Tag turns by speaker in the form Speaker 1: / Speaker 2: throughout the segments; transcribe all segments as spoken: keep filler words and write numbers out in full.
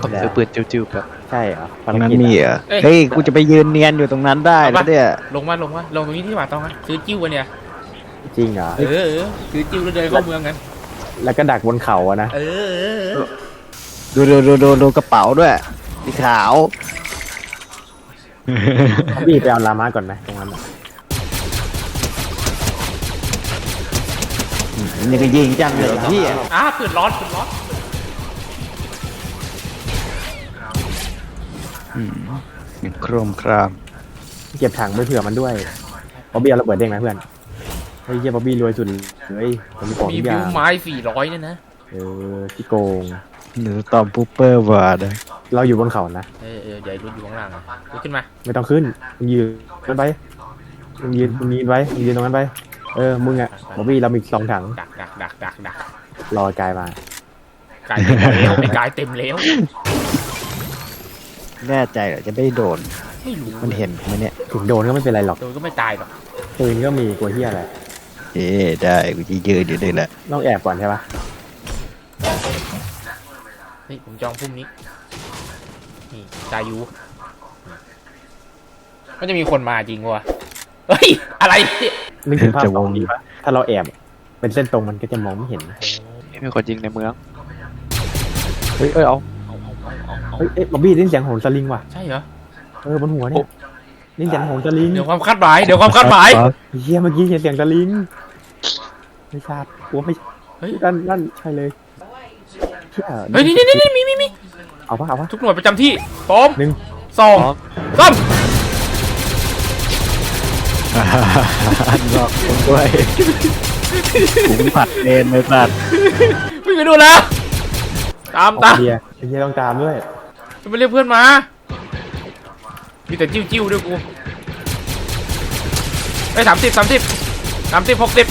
Speaker 1: ผมซื้อปืนจิ้วๆแบบ
Speaker 2: ใช่เหรอ
Speaker 1: ตรงนั้นมีเหรอ
Speaker 3: เอ้ย
Speaker 1: เฮ้ยกูจะไปยืนเนียนอยู่ตรงนั้นได้แล้วเนี่ย
Speaker 3: ลงมาลงมาลงตรงนี้ที่หว่าต้องนะซื้อจิ้วกันเนี่ย
Speaker 2: จริงเหรอ
Speaker 3: เออเออซื้อจิ้วแล้วเดินเข้าเมืองกัน
Speaker 2: แล้วก็ดักบนเขาอะนะ
Speaker 3: เออเออเออ
Speaker 1: ดูดูดูดูดูกระเป๋าด้วยสีขาว
Speaker 2: พี่ไปเอาลามาก่อนไหมตรงนั้นอะ
Speaker 1: นี่ก็ยิงจังเลยพี่
Speaker 3: อ่ะปืนร้อนปืนร้อน
Speaker 1: โครมคราม
Speaker 2: เก็บถังไปเผื่อมันด้วยบ๊อบบี้เอาระเบิดเด้งไหมเพื่อนเฮ้ยเฮียบ๊อบบี้รวยสุดเลยมันมีของ
Speaker 3: มี
Speaker 2: ทุกอ
Speaker 3: วิ
Speaker 2: ย่าว ง
Speaker 3: ไม้สี่ร้อยเนี่ยนะ
Speaker 2: เออที่โกง
Speaker 1: หรือตอมปูเปอร์วาร์ด
Speaker 2: เราอยู่บนเขานะ
Speaker 3: เออเออเดี๋ยวรถอยู่ข้างล่างอ่ะลุกขึ้นมา
Speaker 2: ไม่ต้องขึ้นมึงยืนมันไปมึงยืนมึงยืนไว้มึงยืนตรงนั้นไปเออมึงอ่ะบ๊อบบี้เรามีสองถัง
Speaker 3: ดักดักดักดักดัก
Speaker 2: รอกายมา
Speaker 3: กายเต็มแล้วไอ้กายเต็มแล้ว
Speaker 1: แน่ใจเหรอจะไม่โดน
Speaker 3: ไม่รู้
Speaker 1: มันเห็นไหมเนี่ย
Speaker 2: ถึงโดนก็ไม่เป็นไรหรอก
Speaker 3: โดนก็ไม่ตายหรอก
Speaker 2: ปืนก็มีกลัวเฮียอะไร
Speaker 1: เอ๊ะได้กูจะยืนอยู่นี่แหละ
Speaker 2: ต้องแอบก่อนใช่ปะ
Speaker 3: เฮ้ยผมจองพรุ่งนี้นี่จายูมันจะมีคนมาจริงวะเฮ้ยอะไรเนี่ย
Speaker 2: นึกถึงภาพตรงนี้ปะถ้าเราแอบเป็นเส้นตรงมันก็จะมองไม่เห็น
Speaker 1: มีคนยิงในเมืองเฮ้ยเอ้ยเอา
Speaker 3: เอาเอาเอาเอาเอา
Speaker 2: เฮ้ยเอ๊ะบ๊อบบี้ได้ยินเสียงโหนสลิงว่ะ
Speaker 3: ใช่เหรอ
Speaker 2: เออบนหัวเนี่ยได้ยินเสียงโหนสลิง
Speaker 3: เดี๋ยวความคาดหมายเดี๋ยวความคาดหมาย
Speaker 2: เฮียเมื่อกี้เห็นเสียงสลิงไม่ทราบกลัวไม่
Speaker 3: เฮ้ย
Speaker 2: นั่นนั่นใช่เลยเชี่ย
Speaker 3: เฮ้ยนี่นี่นี่มีมีมี
Speaker 2: เอาปะเอาปะ
Speaker 3: ทุกหน่วยประจำที่พร้อม
Speaker 2: หนึ่ง
Speaker 3: สองสาม
Speaker 1: หลอกผมด้วยผมผัดเองเลยสัตว์
Speaker 3: วิ่งไปดูแล้วตาม
Speaker 2: ออก
Speaker 3: ตาม
Speaker 2: เฮียเฮียต้องตามด้วย
Speaker 3: จะไปเรียกเพื่อนมามีแต่จิ้วจิ้วด้วยกูไอ้สามสิบสามสิบสามสิบหกสิบ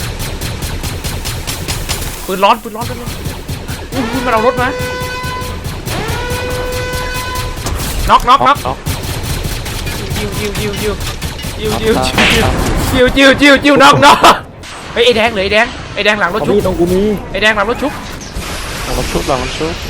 Speaker 3: ปืนร้อนปืนร้อนปืนร้อนอุ้ยมันเอารถมาน็อกน็อกน็อกจิ้วจิ้วจิ้วจิ้วจิ้วจิ้วจิ้วจิ้วจิ้วจิ้วน็อกน็อกเฮ้ยไอ้แดงเลยไอ้แดงไอ้แดงหลังรถ
Speaker 2: บ๊อบ
Speaker 3: ชุบ
Speaker 2: บี้ตรงกูมี
Speaker 3: ไอ้แดงหลังรถชุบ
Speaker 1: ลองชุบลองชุบ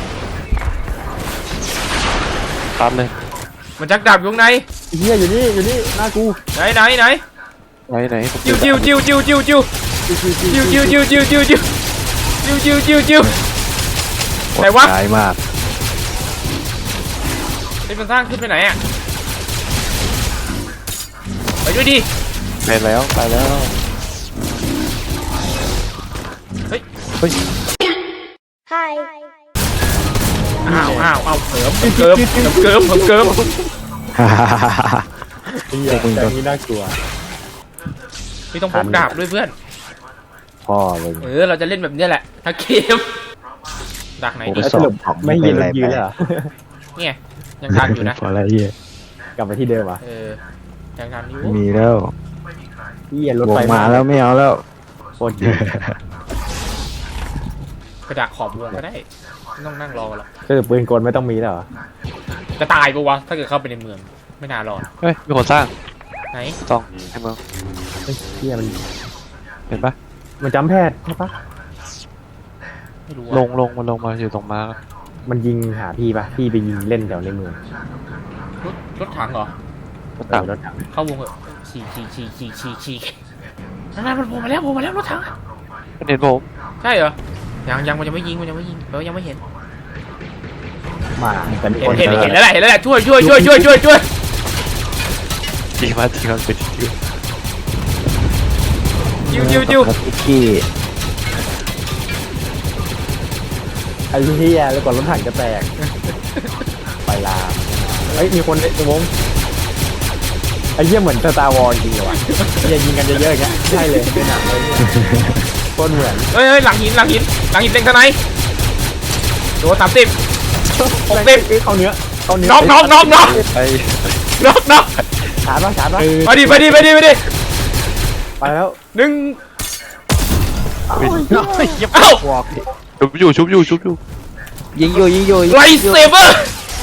Speaker 1: ครับเลย
Speaker 3: มันจักดาบอยู่ข้างใน
Speaker 2: เฮียอยู่นี่อยู่นี่หน้ากู
Speaker 3: ไหนไหนไหน
Speaker 1: ไหนไหน
Speaker 3: จิ้วจิ้วจิ้วจิ้วจิ้วจิ้วจิ้วจิ้วจิ้วจิ้วจิ้วจิ้วจิ้วจิ้วจิ้วจิ้วไหนวะ
Speaker 1: ตายมาก
Speaker 3: ไอ้มันสร้างขึ้นไปไหนอ่ะไปด้วยดิ
Speaker 1: ไปแล้วไปแล้ว
Speaker 3: เฮ้ย
Speaker 1: เฮ้ย
Speaker 4: Hi.
Speaker 3: อ้าวอ้าวอ้าวเกิมเกิมเกิมเกิมเกิม
Speaker 2: เฮียอย่างนี้น่ากลัว
Speaker 3: ไม่ต้องพกดาบด้วยเพื่อน
Speaker 2: พ่อเลย
Speaker 3: เออเราจะเล่นแบบนี้แหละถ้าเกมดักไหนดี
Speaker 2: แล้วสรุปไม่ยืนแล้วยืนเลยเหรอ
Speaker 3: เนี่ยยังทันอยู่นะ
Speaker 1: พออะไรเหี้ย
Speaker 2: กลับไปที่เดิมอ่ะ
Speaker 3: เออยังทันอยู่
Speaker 1: มีแล้ว
Speaker 2: เฮียรถ
Speaker 1: ว
Speaker 2: ไฟ
Speaker 1: งมาแล้วไม่เอาแล้ว
Speaker 2: โคตรเยอะ
Speaker 3: กระดาษขอบวงก็ได้ไม่ต้องนั่งรอหรอก
Speaker 2: คือปืนกลไม่ต้องมีแล้วเหรอ
Speaker 3: จะตายปะวะถ้าเกิดเข้าไปในเมืองไม่น่ารอด
Speaker 1: เฮ้ยมีคนสร้าง
Speaker 3: ไหน
Speaker 1: ต้องในเมือง
Speaker 2: เฮ้ยเฮียมัน
Speaker 1: เห็นปะ
Speaker 2: มันจำแพทย์ใช่ปะ
Speaker 3: ไม่รู้
Speaker 1: ล
Speaker 3: อะ
Speaker 1: งลงมันลงมาอยู่ตรงมาร์ค
Speaker 2: มันยิงหาพี่ปะพี่ไปยิงเล่นแถวในเมือง
Speaker 3: รถรถถังเหรอ
Speaker 1: ก็ต่าง
Speaker 2: เออรถถัง
Speaker 3: เข้าวงเหอะฉีกฉีกฉีกฉีกฉีกฉีกนั่นนั่นมันโผล่มาแล้วโผล่มาแล้วรถถังอะ
Speaker 1: มันเห็นผม
Speaker 3: ใช่เหรอยังยังมันยังไม่ยิงมันยังไม่ยิงเรายังไม่เห็น
Speaker 2: มาแต่มี
Speaker 3: เห็
Speaker 2: คน น
Speaker 3: เห็น
Speaker 2: เจอ
Speaker 3: เห็นแล้วแหละเห็นแล้วแหละช่วยช่วยช่วยช่วยช่วยช่วย
Speaker 1: จริงมาจริงมันเป็นจริง
Speaker 3: จิ้วจิ้วจิ้ว
Speaker 1: ขี้
Speaker 2: ไอ้เฮียแล้วก่อนรถถังจะแตกไปลามเฮ้ยมีคนในวงไอ้เหี้ยเหมือนสตาร์วอร์จริงเหรอวะเฮียยิงกันเยอะๆอย่างเงี้ยใช่เลยเป็นหนังเลยเนี่ยโคตรเหมือน
Speaker 3: เฮ้ยเฮ้ยหลังหินหลังหินหลังหินเต็งทนายโดนสามสิบหกสิบ
Speaker 2: เข้าเนื้อเข้าเนื้อ
Speaker 3: น็อกน็อกน็อกน็อก
Speaker 1: ไป
Speaker 3: น็อกน็อก
Speaker 2: ชาร์จปะชาร์จปะ
Speaker 3: ไปดิไปดิไปดิไปดิ
Speaker 2: ไปแล้ว
Speaker 3: หนึ่ง
Speaker 2: เอ้า
Speaker 3: เอ้า
Speaker 1: ชุบอยู่ชุบอยู่ชุบอยู่ยิงอยู่ยิงอยู่
Speaker 3: ไลท์เซเบอร์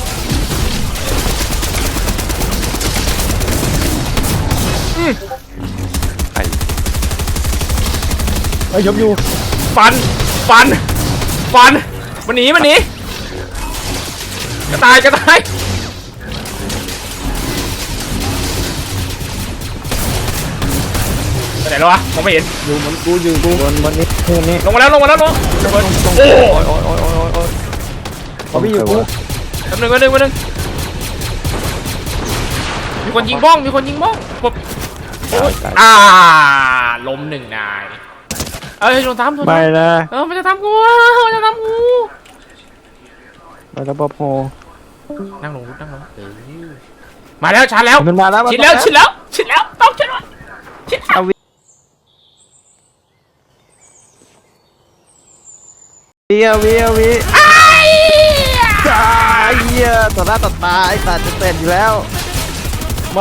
Speaker 1: ไอ้
Speaker 2: เฮ้ยยกอยู่
Speaker 3: ฟันฟันฟันมันหนีมันหนีกระต่ายกระต่ายไปไหนแล้ววะมองไม่เห็น
Speaker 2: อยู่บนกูอยู่กูบนบนนี้บนนี้
Speaker 3: ลงมาแล้วลงมาแล้วลงลงมาโอ้
Speaker 1: โอ้ยโอ้ยโอ้ยโอ้ยโอ้ย
Speaker 2: เขาพี่อยู่กู
Speaker 3: แป๊บนึงแป๊บนึงแป๊บนึงมีคนยิงบ้องมีคนยิงบ้องปุ๊บ
Speaker 1: ตายตาย
Speaker 3: อ่าล้มหนึ่งนายเอ้ยโดนทำโดน
Speaker 1: ไม่
Speaker 3: ทำ
Speaker 1: นะ
Speaker 3: เออมันจะทำกูมันจะทำกู
Speaker 1: มาแล้วปอโพ
Speaker 3: นั่งลงนั่งลงเออมาแล้วชาร์จแล้ว
Speaker 2: มันมาแล้ว
Speaker 3: ชิดแล้วชิดแล้วชิดแล้วต้องชิดแล้วชิดแล้ว
Speaker 1: เวียเวียเวียไอ้เหี้ยต่อหน้าต่อตาไอ้สัตว์จะเต้นอยู่แล้ว
Speaker 2: ไม่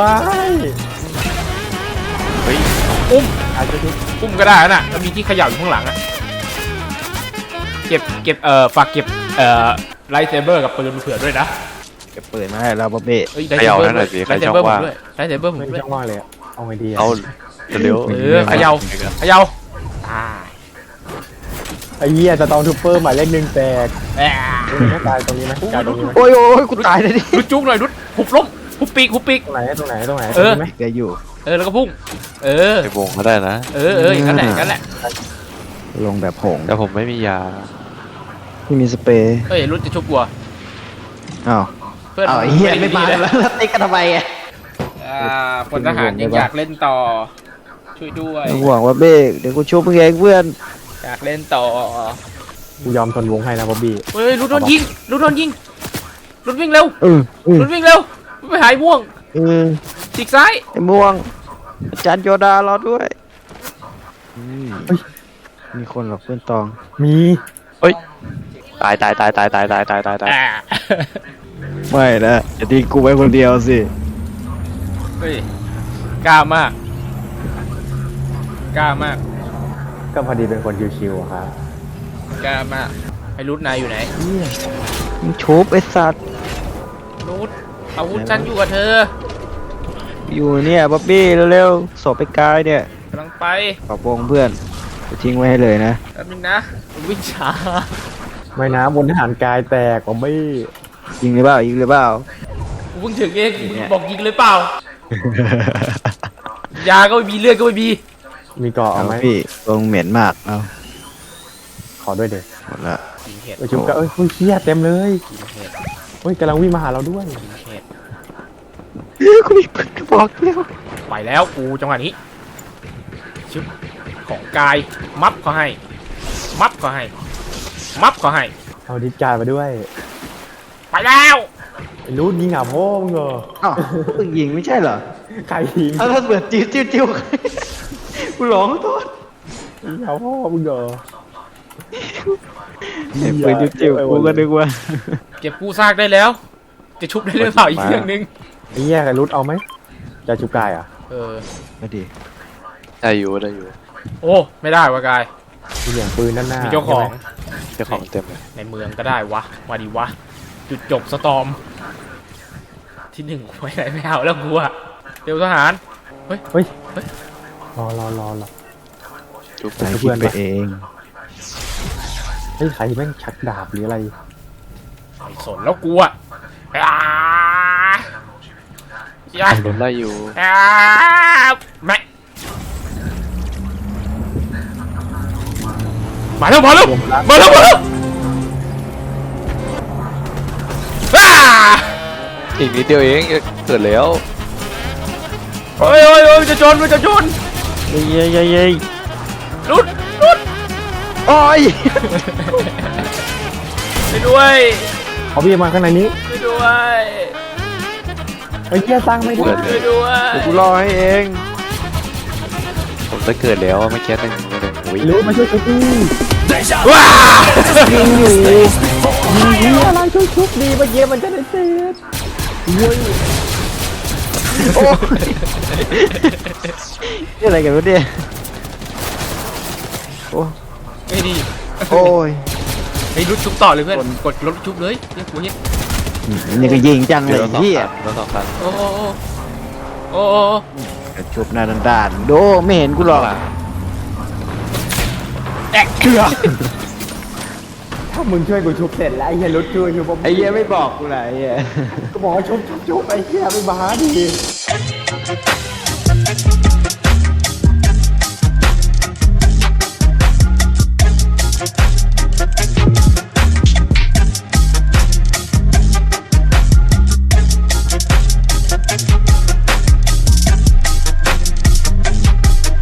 Speaker 1: เฮ้ย
Speaker 3: อุ้ม
Speaker 2: อาจจะทุก
Speaker 3: อุ้มก็ได้น่ะแล้วมีที่เขย่าอยู่ข้างหลังอะเก็บเก็บเอ่อฝากเก็บเอ่อไลท์เซเบอร์กับปืนเผื่อด้วยนะ
Speaker 1: จะเปิดมาให้เราบ๊อบเบ้
Speaker 3: เอ้ยไลท์เซเบอร์ด้วยไลท์เซเบอร์ผมด้วยไลท์เซเบอร์ผม
Speaker 2: ไม่
Speaker 3: ด้วย
Speaker 2: ช่องว่างเลยอะเอาไงดีอะ
Speaker 1: เอาเร็ว
Speaker 3: เออเขย่าเขย่าตาย
Speaker 2: ไอ้เหี้ยจะต้องทูเปอร์หมายเลขหนึ่งแตก
Speaker 3: แอะ
Speaker 2: ตายตรงนี้ไหมตายตรงนี้ไหม
Speaker 1: โอ้ยโอ้ยกูตายเลยดิ
Speaker 3: รุดจุกหน่อยรุดหุบล้มหุบปีกหุบปีก
Speaker 2: ตรงไหนตรงไหนตรงไหน
Speaker 3: เออ
Speaker 2: ตรงนี้ไหม
Speaker 1: แกอยู่
Speaker 3: เออแล้วก็พุ่งเออ
Speaker 5: ไปวงก็ได้นะ
Speaker 3: เออเอออย่างนั้นแหละอย่างนั้นแหละ
Speaker 1: ลงแบบผง
Speaker 5: แต่ผมไม่มียา
Speaker 1: ที่มีสเปรย์
Speaker 3: เอ้ยรุดจะชุบกลัว
Speaker 1: อ้าว
Speaker 3: เพื่อน
Speaker 1: อ้าวไอ้เหี้ยไม่มาแล้วแล้วติ๊กกันทำไมอ่ะ
Speaker 3: อ่าพลทหารยังอยากเล่นต่อ ช่วยด้วย
Speaker 1: ห่วงว่าเบ้เดี๋ยวกูช่วยเพื่อนเพื่อน
Speaker 3: อยากเล่นต่อ
Speaker 2: กูยอมทนวงให้นะบ๊อบบี้
Speaker 3: เฮ้ยรุดโดนยิงรุดโดนยิงรุดวิ่งเร็ว
Speaker 1: เออเออ
Speaker 3: รุดวิ่งเร็วไปหายม่วง
Speaker 1: เออ
Speaker 3: ฉีกซ้าย
Speaker 1: ไอ้ม่วงอาจารย์โยดารอด้วยมีคนหรอกเพื่อนตอง
Speaker 2: มี
Speaker 5: ตายตายตายตายตายตายตายตายตาย
Speaker 3: อ่า
Speaker 1: ไม่นะอย่าทิ้งกูไว้คนเดียวสิ
Speaker 3: เฮ้ยกล้ามากกล้ามาก
Speaker 2: ก็พอดีเป็นคนชิวๆอะครับ
Speaker 3: กล้ามากไอ้รุดนายอยู่ไหน
Speaker 1: มึงชุบไอ้สัตว์
Speaker 3: รุดอาวุธฉันอยู่กับเธอ
Speaker 1: อยู่เนี่ยบ๊อบบี้เร็วๆสอบไปกายเนี่ย
Speaker 3: กำลังไป
Speaker 1: ขอบวงเพื่อนจะทิ้งไว้ให้เลยนะ
Speaker 3: แป๊บนึงนะวิ่งช้า
Speaker 2: ไม่นะบนทหารกายแตกบ๊อบบี้
Speaker 1: ยิงหรือเปล่ายิงหรือเปล่า
Speaker 3: กูเพิ่งถึงเองมึงบอกยิงเลยเปล่ายาก็ไม่มีเลือดก็ไม่มี
Speaker 2: มีเกาะ
Speaker 1: เอา
Speaker 2: เอาไหม
Speaker 1: พี่ตรงเหม็นมากเอา
Speaker 2: ขอด้วยเด็ก
Speaker 1: หมดละ
Speaker 3: กินเห็ด
Speaker 2: เอ้ยชุบก็เอ้ยเฮ้ยเหี้ยเต็มเลย
Speaker 3: กินเห็ด
Speaker 2: เฮ้ยกำลังวิ่งมาหาเราด้วย
Speaker 3: กินเห็ด
Speaker 1: เฮ้ยกูมีปืนกระบอกเดียว
Speaker 3: ไปแล้วกูจังหวะนี้ชึบของกายมับเขาให้ มับเขาให้ มับเขาให้
Speaker 2: เอาดิสการ์ดมาด้วย
Speaker 3: ไปแล้ว
Speaker 2: ไอ้รู้ยิงหาพ่อมึงเหรอ
Speaker 1: อ้าวมึงยิงไม่ใช่เหรอ
Speaker 2: ใครยิง
Speaker 1: เอาถ้าเปิดจิ้วจิ้วจิ้วกูร้องโทษ
Speaker 2: ยิงหาพ่อมึงเหรอ
Speaker 1: เห็นปืนจิ้วจิ้วกูก็นึกว่า
Speaker 3: เก็บกู้ซากได้แล้ว จะชุบได้หรือเปล่าอีกเรื่องหนึง
Speaker 2: ไอ้เหี้ยใครรุดเอาไหมจะชุบกายอ่ะ
Speaker 3: เออ
Speaker 1: มาดิ
Speaker 5: ได้อยู่ได้อยู่
Speaker 3: โอ้ไม่ได้วะกาย
Speaker 2: มีเสียงปืนด้านหน้า
Speaker 3: มีเจ้าของ
Speaker 5: เจ้าของเต็มเลย
Speaker 3: ในเมืองก็ได้วะมาดีวะ จุดจบสตอม ที่หนึ่งไว้ไหนไม่เอาแล้วกูอะเดี๋ยวทหาร เฮ้ย
Speaker 2: เฮ้ยรอรอรอรอ
Speaker 5: จุ๊บ
Speaker 1: ใส่คิดไปเอง
Speaker 2: เฮ้ยใครแม่งชักดาบหรืออะไร
Speaker 3: ไม่สนแล้วกูอะอ่าอย่า
Speaker 5: โดนไล่อยู่
Speaker 3: อ่าแม่มาแล้วมาแล้วมาแล้วมาแล้วอ่า
Speaker 5: อีกนิดเดียวเองเกิดแล้ว
Speaker 3: โอ้ยโอ้ยโอ้ยจะชนมันจะชน
Speaker 1: เย้เย้เย้เย้
Speaker 3: รุดรุด
Speaker 1: โอ้ย
Speaker 3: ไปด้วย
Speaker 2: เอาพี่มาข้างในนี้
Speaker 3: ไปด้วย
Speaker 2: ไอ้เหี้ยสร้างไม่ได้
Speaker 3: ไปด้วย
Speaker 1: เดี๋ยวกูรอให้เอง
Speaker 5: ผมจะเกิดแล้วไม่แค่หนึ่งไม่หนึ่งโอ้ย
Speaker 2: รู้มาช่วยชุบดิ
Speaker 3: ว้า
Speaker 2: ยิงอยู่ยิงอะไรช่วยชุบดีเมื่อกี้มันจะได้เสร็จเว้ย
Speaker 1: โอ้ยนี่อะไรกันวะเนี่ยโอ้
Speaker 3: ไม่ดี
Speaker 1: โอ้ย
Speaker 3: ไอ้รุดชุบต่อเลยเพื่อนกดรถชุบเลยเรียกกูเห็น
Speaker 1: นี่ก็ยิงจังเล
Speaker 5: เดี๋ย
Speaker 1: ยว
Speaker 5: เราสอง
Speaker 1: พี่
Speaker 5: คันเราสองคัน
Speaker 3: โอ้โอ้โอ้โอ้
Speaker 1: ชุบหน้าด้านๆโดไม่เห็นกูหรอก
Speaker 3: แอก
Speaker 1: เชื่อ
Speaker 2: ถ้ามึงช่วยกูชุบเสร็จแล้วไอ้เหี้ยรถช่วยชุบ
Speaker 1: ไอ้เหี้ยไม่บอกกูเลยไอ้เหี้ย
Speaker 2: ก็บอกว่าชุบชุบชุบไอ้เหี้ยไม่บ้าดิ